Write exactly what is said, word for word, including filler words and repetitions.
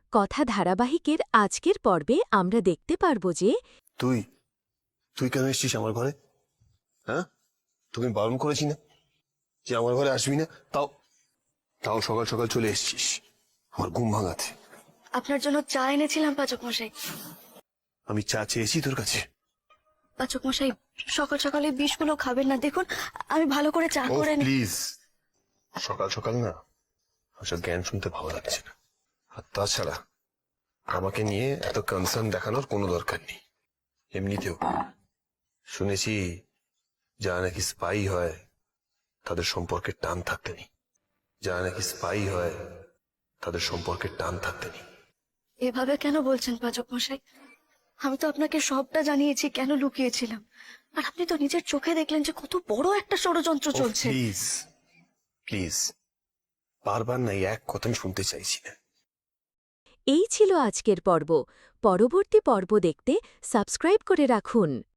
কথা ধারাবাহিকের আজকের পর্বে আমরা দেখতে পারব যে তুই তুই কেন এসছিস আমার ঘরে? হ্যাঁ, তোকে বারণ করেছি না যে আমার ঘরে আসবি না? তাও তাও সকাল সকাল চলে এসছিস আমার ঘুম ভাঙাতে। আপনার জন্য চা এনেছিলাম পাচক মশাই। আমি চা চেয়েছি তোর কাছে? পাচক মশাই, সকাল সকালে বিষগুলো খাবেন না। দেখুন, আমি ভালো করে চা করে নি- প্লিজ, সকাল সকাল না ওসব জ্ঞান শুনতে ভালো লাগছে না। আর তাছাড়া আমাকে নিয়ে এত কনসার্ন দেখানোর কোনো দরকার নেই। এমনিতেও শুনেছি যারা নাকি স্পাই হয় তাদের সম্পর্কে টান থাকতে নেই। যারা নাকি স্পাই হয় তাদের সম্পর্কে টান থাকতে নেই। এভাবে কেন বলছেন পাচক মশাই? আমি তো আপনাকে সবটা জানিয়েছি কেন লুকিয়েছিলাম। আর আপনি তো নিজের চোখে দেখলেন যে কত বড় একটা ষড়যন্ত্র চলছে। প্লিজ প্লিজ, বারবার না এই এক কথা আমি শুনতে চাইছি না। এই ছিল আজকের পর্ব। পরবর্তী পর্ব দেখতে সাবস্ক্রাইব করে রাখুন।